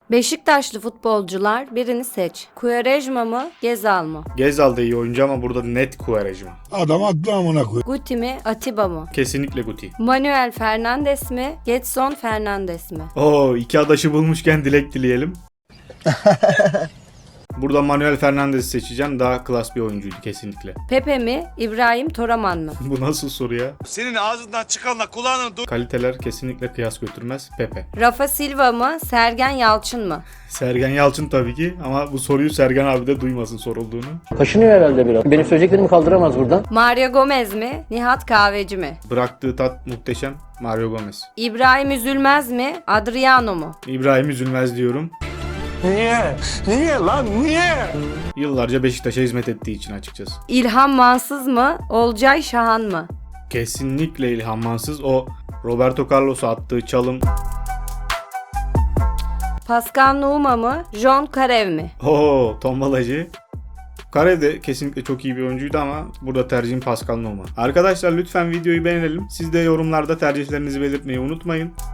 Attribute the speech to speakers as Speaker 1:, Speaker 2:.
Speaker 1: Beşiktaşlı futbolcular birini seç. Quaresma mı, Gezal mı?
Speaker 2: Gezal da iyi oyuncu ama burada net Quaresma.
Speaker 3: Adam attı amına koy.
Speaker 1: Guti mi, Atiba mı?
Speaker 2: Kesinlikle Guti.
Speaker 1: Manuel Fernandes mi, Gedson Fernandes mi?
Speaker 2: Oo, iki adaşı bulmuşken dilek dileyelim. Burada Manuel Fernandes'i seçeceğim. Daha klas bir oyuncuydu kesinlikle.
Speaker 1: Pepe mi, İbrahim Toraman mı?
Speaker 2: Bu nasıl soru ya?
Speaker 4: Senin ağzından çıkanla kulağının
Speaker 2: Kaliteler kesinlikle kıyas götürmez. Pepe.
Speaker 1: Rafa Silva mı, Sergen Yalçın mı?
Speaker 2: Sergen Yalçın tabii ki ama bu soruyu Sergen abi de duymasın sorulduğunu.
Speaker 5: Kaşınıyor herhalde biraz. Benim söyleyeceklerimi kaldıramaz buradan.
Speaker 1: Mario Gomez mi, Nihat Kahveci mi?
Speaker 2: Bıraktığı tat muhteşem. Mario Gomez.
Speaker 1: İbrahim Üzülmez mi, Adriano mu?
Speaker 2: İbrahim Üzülmez diyorum.
Speaker 3: Niye? Niye lan niye?
Speaker 2: Yıllarca Beşiktaş'a hizmet ettiği için açıkçası.
Speaker 1: İlhan Mansız mı, Olcay Şahan mı?
Speaker 2: Kesinlikle İlhan Mansız. O Roberto Carlos'a attığı çalım.
Speaker 1: Pascal Nouma mı, John Karev mi?
Speaker 2: Oo, tombalacı. Kare de kesinlikle çok iyi bir oyuncuydu ama burada tercihim Pascal Nouma. Arkadaşlar lütfen videoyu beğenelim. Siz de yorumlarda tercihlerinizi belirtmeyi unutmayın.